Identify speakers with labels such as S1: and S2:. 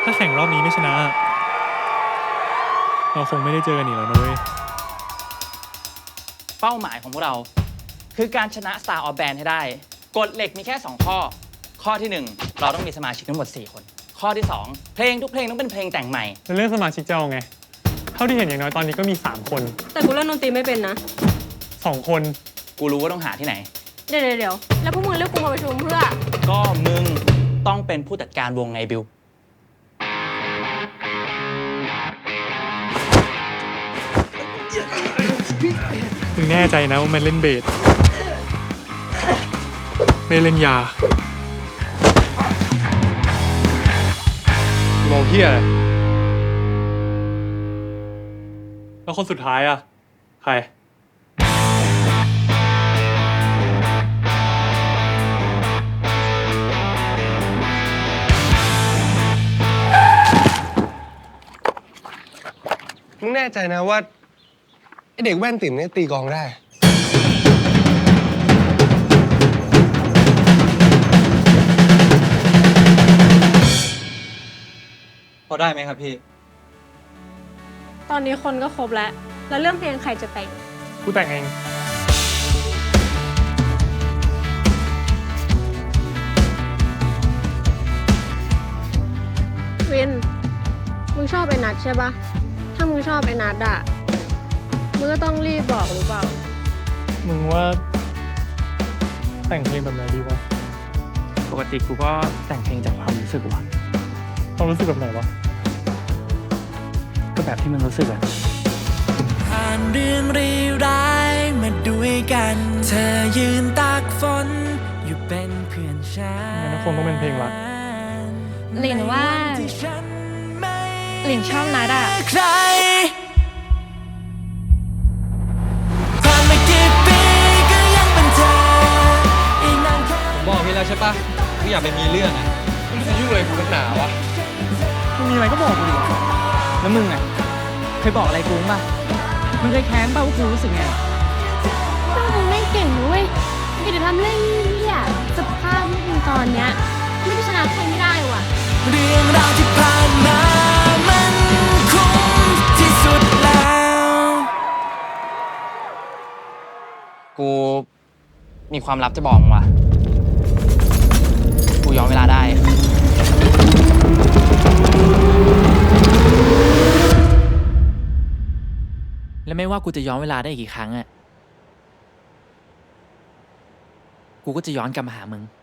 S1: ถ้าแข่งรอบนี้ไม่ชนะ เราคงไม่ได้เจอกันอีกแล้วนะเว้ย
S2: เป้าหมายของพวกเราคือการชนะ Star of Band ให้ได้กฎเหล็กมีแค่2ข้อข้อที่1เราต้องมีสมาชิกทั้งหมด4คนข้อที่2เพลงทุกเพลงต้องเป็นเพลงแต่งใหม่
S1: ในเรื่องสมาชิกเจ้าไงเท่าที่เห็นอย่างน้อยตอนนี้ก็มี3คน
S3: แต่กูเล่นดนตรีไม่เป็นนะ
S1: 2คน
S2: กูรู้ว่าต้องหาที่ไหน
S3: เดี๋ยวแล้วพวกมึงเรียกกูมาประชุมเพื่อ
S2: ก็มึงต้องเป็นผู้จัดการวงไงบิว
S1: มึงแน่ใจนะว่ามันเล่นเบสไม่เล่นยาโมเฮียแล้วคนสุดท้ายอ่ะใคร
S4: มึงแน่ใจนะว่าไอเด็กแว่นติ่มเนี่ยตีกองได้
S5: พอได้ไหมครับพี่
S3: ตอนนี้คนก็ครบแล้วเรื่องเพลงใครจะแต่ง
S1: กูแต่งเอง
S3: วินมึงชอบไอ้นัทใช่ปะถ้ามึงชอบไอ้นัทอะมึงก็ต้องรีบบอกหรือเปล่า
S1: มึงว่าแต่งเพลงแบบไหนดีวะ
S2: ปกติกูก็แต่งเพลงจากความรู้สึกว่ะ
S1: ความรู้สึกแบบไหนวะ
S2: ก็แบบที่มึงรู้สึกอะ
S6: ผ่านเรื่องร้ายมาด้วยกันเธอยืนตากฝนอยู่เป็นเพื่อนฉัน
S1: งั้นคงต้องเป็นเพลงรัก
S3: หลินว่าหลินชอบนัดอะ
S6: ใครผ่านมากี่ปีก็ยังเป็นเธออีกนานแค่
S5: ผมบอกพี่แล้วใช่ปะกูอยากไปมีเรื่องอ่ะมึงจะยุ่งอะไรกูนักหนาวะ
S2: มึงมีอะไรก็บอกกูดิแล้วมึงอะเคยบอกอะไรกูป่ะมึงเคยแค้นป่ะว่ากูรู้สึกไง
S3: ก็มึงไม่เก่งนะเว้ยมึงจะทำเรื่องนี้อะสภาพมึงตอนเนี้ยไม่ได้ชนะใครไม่ได้ว่ะ
S6: เรื่องราวที่ผ่านมามันคุ้มที่สุดแล้ว
S2: กูมีความลับจะบอกมึงว่ะกูย้อนเวลาได้และไม่ว่ากูจะย้อนเวลาได้กี่ครั้งอะกูก็จะย้อนกลับมาหามึง